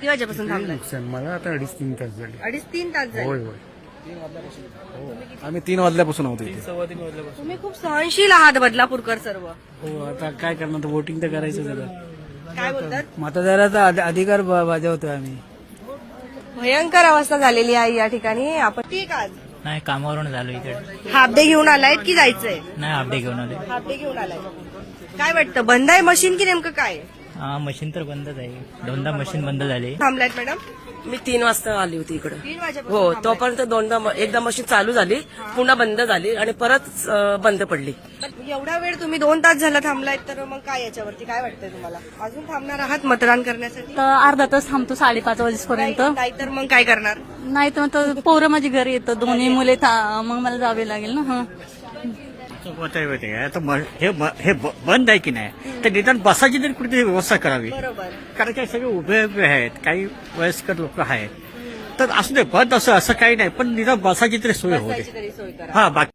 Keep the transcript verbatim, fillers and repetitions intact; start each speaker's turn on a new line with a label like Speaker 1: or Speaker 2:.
Speaker 1: किती वाजेपासून थांबलाय?
Speaker 2: नुकसान मला आता अडीच तीन तास झाले.
Speaker 1: अडीच तीन तास झाले.
Speaker 2: होय होय.
Speaker 3: आम्ही तीन वाजल्यापासून होतो इथे.
Speaker 1: तुम्ही खूप सहनशील आहात बदलापूरकर सर्व.
Speaker 4: हो आता काय करणार तर वोटिंग तर करायचं जरा.
Speaker 1: काय बोलतात?
Speaker 4: मतदाराचा अधि- अधिकार ब- बजावतोय आम्ही.
Speaker 1: भयंकर अवस्था झालेली आहे या ठिकाणी. आपण ठीक आज
Speaker 5: नाही कामावरून झालो इकडे.
Speaker 1: हाफ डे घेऊन आलायत की जायचंय?
Speaker 5: नाही अपडे घेऊन आले.
Speaker 1: हाफ डे घेऊन आलाय. काय वाटतं बंद आहे मशीन की नेमकं काय?
Speaker 5: हा मशीन तर बंदच आहे. दोनदा मशीन बंद झाली.
Speaker 1: थांबलायत मॅडम?
Speaker 6: मी तीन वाजता आली होती इकडे.
Speaker 1: तीन वाजेपासून
Speaker 6: हो
Speaker 1: थांबलायत.
Speaker 6: तोपर्यंत दोनदा म- एकदा मशीन चालू झाली पुन्हा बंद झाली आणि परत अं, बंद पडली.
Speaker 1: पण एवढा वेळ तुम्ही दोन तास झाला थांबलायत तर मग काय याच्यावरती काय वाटतंय तुम्हाला? अजून थांबणार आहात मतदान करण्यासाठी?
Speaker 7: तर अर्धा तास थांबतो साडेपाच वाजेपर्यंत.
Speaker 1: नाही तर मग काय करणार?
Speaker 7: नाही तर मग तर पोरं माझी घरी येतं दोन्ही मुले था- मग मला जावे लागेल ना. हं.
Speaker 8: मत आहे माहिती आहे का? आता म- हे ब- हे ब- बंद आहे की नाही तर निदान बसाची तरी कुठेतरी व्यवस्था करावी.
Speaker 1: बरोबर.
Speaker 8: कारण काय सगळे उभे उभे आहेत, काही वयस्कर लोक आहेत. तर असू दे बंद असं असं काही नाही पण निदान बसाची तरी सोय होते.
Speaker 1: बसायची तरी सोय करा.
Speaker 8: हा बाकी